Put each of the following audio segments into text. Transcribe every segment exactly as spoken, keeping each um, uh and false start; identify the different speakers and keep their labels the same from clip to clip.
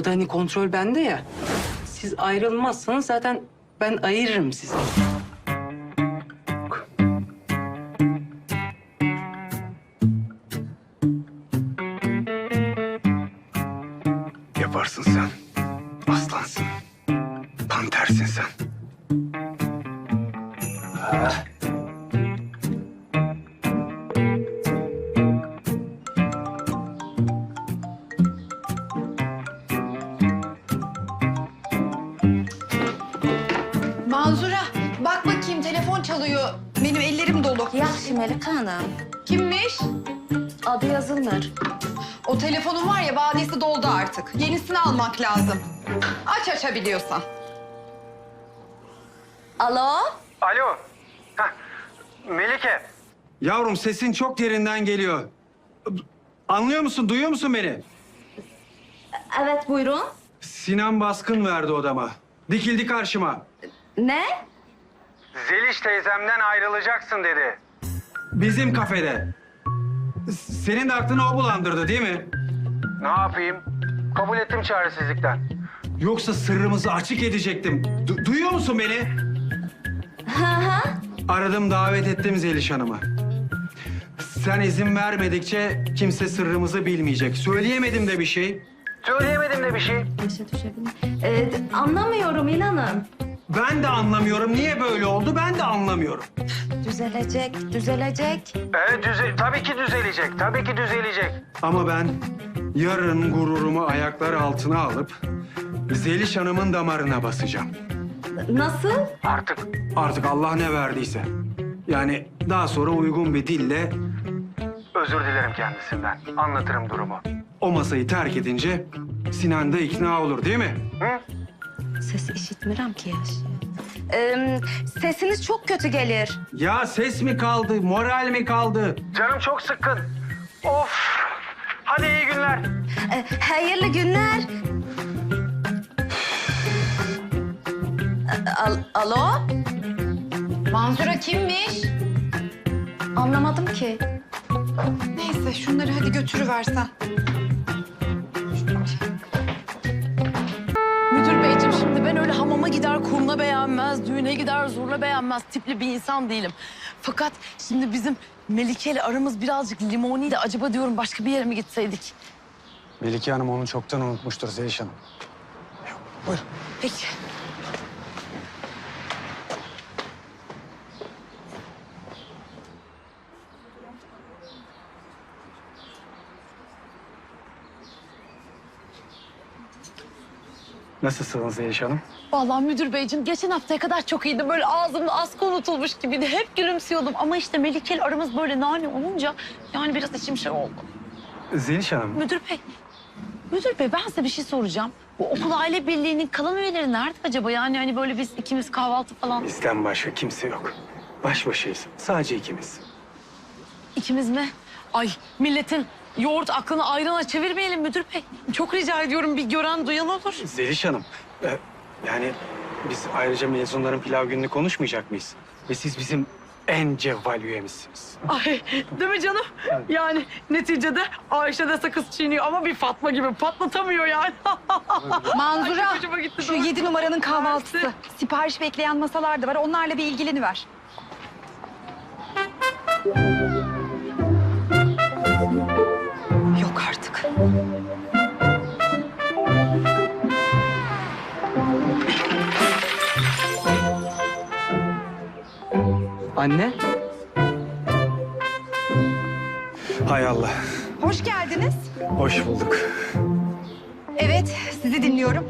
Speaker 1: burada hani kontrol bende ya. Siz ayrılmazsanız zaten ben ayırırım sizi.
Speaker 2: Yaparsın sen. Aslansın. Pantersin sen.
Speaker 3: Manzura, bak bakayım telefon çalıyor. Benim ellerim dolu.
Speaker 4: Yaxşı Melike Hanım.
Speaker 3: Kimmiş?
Speaker 4: Adı yazılmır.
Speaker 3: O telefonun var ya, vadesi doldu artık. Yenisini almak lazım. Aç açabiliyorsan.
Speaker 4: Alo?
Speaker 2: Alo. Heh. Melike. Yavrum sesin çok derinden geliyor. Anlıyor musun, duyuyor musun beni?
Speaker 4: Evet buyurun.
Speaker 2: Sinan baskın verdi odama. Dikildi karşıma.
Speaker 4: Ne?
Speaker 2: Zeliş teyzemden ayrılacaksın dedi. Bizim kafede. Senin de aklını o bulandırdı değil mi? Ne yapayım? Kabul ettim çaresizlikten. Yoksa sırrımızı açık edecektim. Du- duyuyor musun beni?
Speaker 4: Hı hı.
Speaker 2: Aradım, davet ettim Zeliş Hanım'ı. Sen izin vermedikçe kimse sırrımızı bilmeyecek. Söyleyemedim de bir şey. Söyleyemedim de bir şey.
Speaker 4: Yaşa düşebilir. Ee, anlamıyorum inanın.
Speaker 2: Ben de anlamıyorum. Niye böyle oldu? Ben de anlamıyorum.
Speaker 4: Düzelecek, düzelecek.
Speaker 2: Evet, düze tabii ki düzelecek. Tabii ki düzelecek. Ama ben yarın gururumu ayaklar altına alıp Zeliş Hanım'ın damarına basacağım.
Speaker 4: Nasıl?
Speaker 2: Artık? Artık Allah ne verdiyse. Yani daha sonra uygun bir dille... Özür dilerim kendisinden. Anlatırım durumu. O masayı terk edince Sinan da ikna olur değil mi? Hı?
Speaker 4: Ses işitmirəm ki yaş. Ee, sesiniz çok kötü gelir.
Speaker 2: Ya ses mi kaldı, moral mi kaldı? Canım çok sıkkın. Of! Hadi iyi günler.
Speaker 4: Ee, hayırlı günler. Al Alo?
Speaker 3: Manzura kimmiş?
Speaker 4: Anlamadım ki.
Speaker 3: Neyse, şunları hadi götürüversen.
Speaker 5: Müdür beyciğim, şimdi ben öyle hamama gider kurna beğenmez, düğüne gider zurna beğenmez tipli bir insan değilim. Fakat şimdi bizim Melike ile aramız birazcık limoniydi. Acaba diyorum başka bir yere mi gitseydik?
Speaker 2: Melike Hanım onu çoktan unutmuştur Zeliş Hanım. Buyur.
Speaker 5: Peki.
Speaker 2: Nasılsınız Zeliş Hanım?
Speaker 5: Vallahi müdür beyciğim geçen haftaya kadar çok iyiydi. Böyle ağzımda askı unutulmuş gibiydi. Hep gülümsüyordum ama işte Melike ile aramız böyle nane olunca yani biraz içim şey oldu.
Speaker 2: Zeliş Hanım,
Speaker 5: Müdür bey, müdür bey ben size bir şey soracağım. Bu okul aile birliğinin kalan üyeleri nerede acaba? Yani hani böyle biz ikimiz kahvaltı falan.
Speaker 2: bizden başka kimse yok. Baş başayız. Sadece ikimiz.
Speaker 5: İkimiz mi? Ay milletin yoğurt aklını ayrana çevirmeyelim müdür bey. Çok rica ediyorum bir gören duyan olur.
Speaker 2: Zeliş Hanım, e, yani biz ayrıca mezunların pilav gününü konuşmayacak mıyız? Ve siz bizim en cevval üyemizsiniz.
Speaker 5: Ay değil mi canım? Yani neticede Ayşe de sakız çiğniyor ama bir Fatma gibi patlatamıyor yani.
Speaker 3: Manzura,
Speaker 5: Ay, hoşuma gitti,
Speaker 3: şu
Speaker 5: doğru.
Speaker 3: yedi numaranın kahvaltısı. Sipariş bekleyen masalar da var. Onlarla bir ilgileniver. Yok artık.
Speaker 1: Anne?
Speaker 2: Hay Allah,
Speaker 3: Hoş geldiniz.
Speaker 2: hoş bulduk.
Speaker 3: Evet, sizi dinliyorum.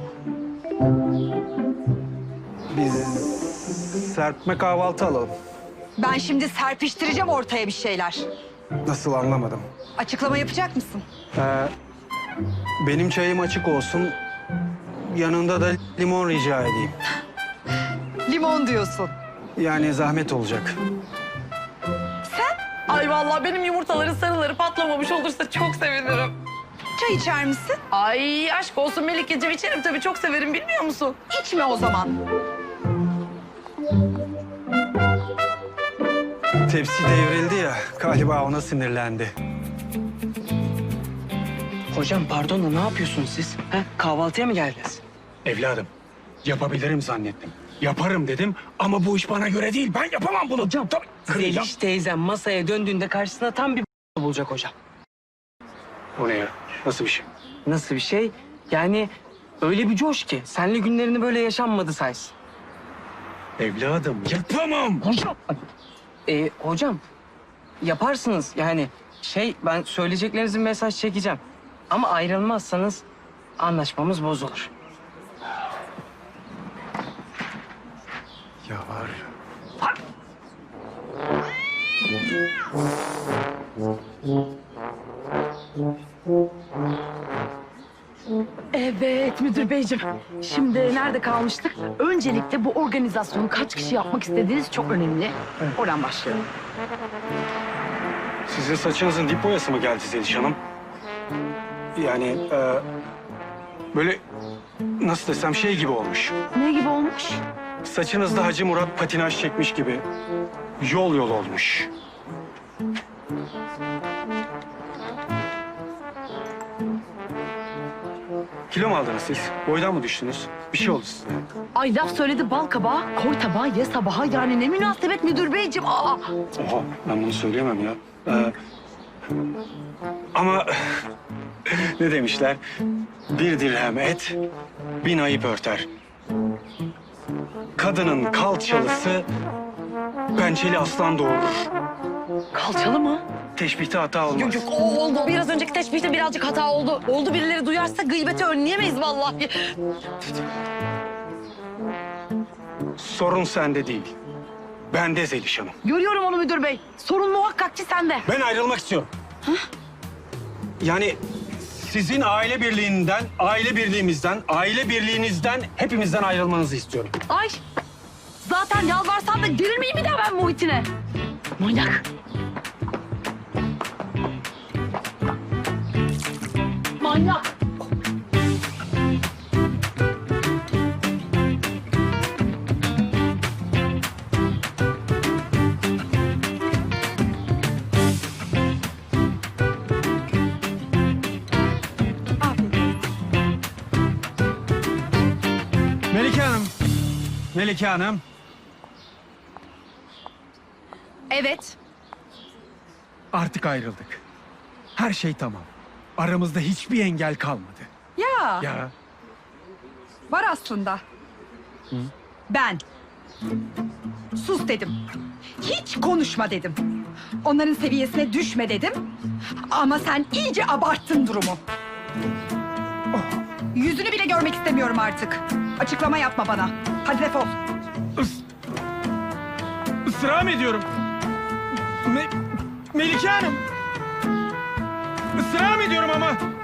Speaker 2: Biz serpme kahvaltı alalım.
Speaker 3: Ben şimdi serpiştireceğim ortaya bir şeyler.
Speaker 2: Nasıl anlamadım.
Speaker 3: Açıklama yapacak mısın?
Speaker 2: Ee, benim çayım açık olsun. Yanında da limon rica edeyim.
Speaker 3: Limon diyorsun.
Speaker 2: Yani zahmet olacak.
Speaker 5: Ay vallahi benim yumurtaların sarıları patlamamış olursa çok sevinirim.
Speaker 3: Çay içer misin?
Speaker 5: Ay aşk olsun Melikeciğim içerim tabii çok severim bilmiyor musun?
Speaker 3: İçme o zaman.
Speaker 2: Tepsi devrildi ya, galiba ona sinirlendi.
Speaker 1: Hocam pardon da ne yapıyorsunuz siz? Ha? Kahvaltıya mı geldiniz?
Speaker 2: Evladım, yapabilirim zannettim. Yaparım dedim ama bu iş bana göre değil. Ben yapamam bunu.
Speaker 1: Hocam,
Speaker 2: Tabii, kıracağım.
Speaker 1: Zeliş teyzem masaya döndüğünde karşısına tam bir bulacak hocam.
Speaker 2: O ne ya? Nasıl bir şey?
Speaker 1: Nasıl bir şey? Yani öyle bir coş ki senle günlerini böyle yaşanmadı saysın.
Speaker 2: Evladım, yapamam.
Speaker 1: Hocam. Ee, hocam yaparsınız yani şey ben söyleyeceklerinizin mesaj çekeceğim. Ama ayrılmazsanız anlaşmamız bozulur.
Speaker 2: Ya var ya.
Speaker 5: Evet müdür beyciğim. Şimdi nerede kalmıştık? Öncelikle bu organizasyonu kaç kişi yapmak istediğiniz çok önemli. Oradan başlayalım.
Speaker 2: Sizin saçınızın dip boyası mı geldi Zeliş Hanım? Yani e, böyle nasıl desem şey gibi olmuş.
Speaker 5: Ne gibi olmuş?
Speaker 2: Saçınızda Hacı Murat patinaj çekmiş gibi yol yol olmuş. Kilo mu aldınız siz? Boydan mı düştünüz? Bir şey oldu size.
Speaker 5: Ay laf söyledi bal kabağı, koy tabağı, ye sabaha. Yani ne münasebet müdür beyciğim. Aa!
Speaker 2: Oha, ben bunu söyleyemem ya. Ee, ama ne demişler? Bir dirhem et, bin ayıp örter. Kadının kalçalısı pençeli aslan doğurur.
Speaker 5: Kalçalı mı?
Speaker 2: Teşbihte hata olmaz.
Speaker 5: Yok yok o oldu. Biraz önceki teşbihte birazcık hata oldu. Oldu birileri duyarsa gıybeti önleyemeyiz vallahi.
Speaker 2: Sorun sende değil. Bende Zeliş Hanım.
Speaker 5: Görüyorum onu müdür bey. Sorun muhakkak ki sende.
Speaker 2: Ben ayrılmak istiyorum. Yani sizin aile birliğinden, aile birliğimizden, aile birliğinizden hepimizden ayrılmanızı istiyorum.
Speaker 5: Ay zaten yalvarsam da gelir miyim bir daha ben Muhit'ine? Manyak. Manyak.
Speaker 2: Melike Hanım. Melike Hanım.
Speaker 3: Evet.
Speaker 6: Artık ayrıldık. Her şey tamam. Aramızda hiçbir engel kalmadı.
Speaker 3: Ya,
Speaker 6: Ya
Speaker 3: var aslında. Ben. Sus dedim. Hiç konuşma dedim. Onların seviyesine düşme dedim. Ama sen iyice abarttın durumu. Yüzünü bile görmek istemiyorum artık. Açıklama yapma bana. Hadi defol.
Speaker 6: ısrar mı ediyorum? Me- Melike Hanım. Israr mı ediyorum ama?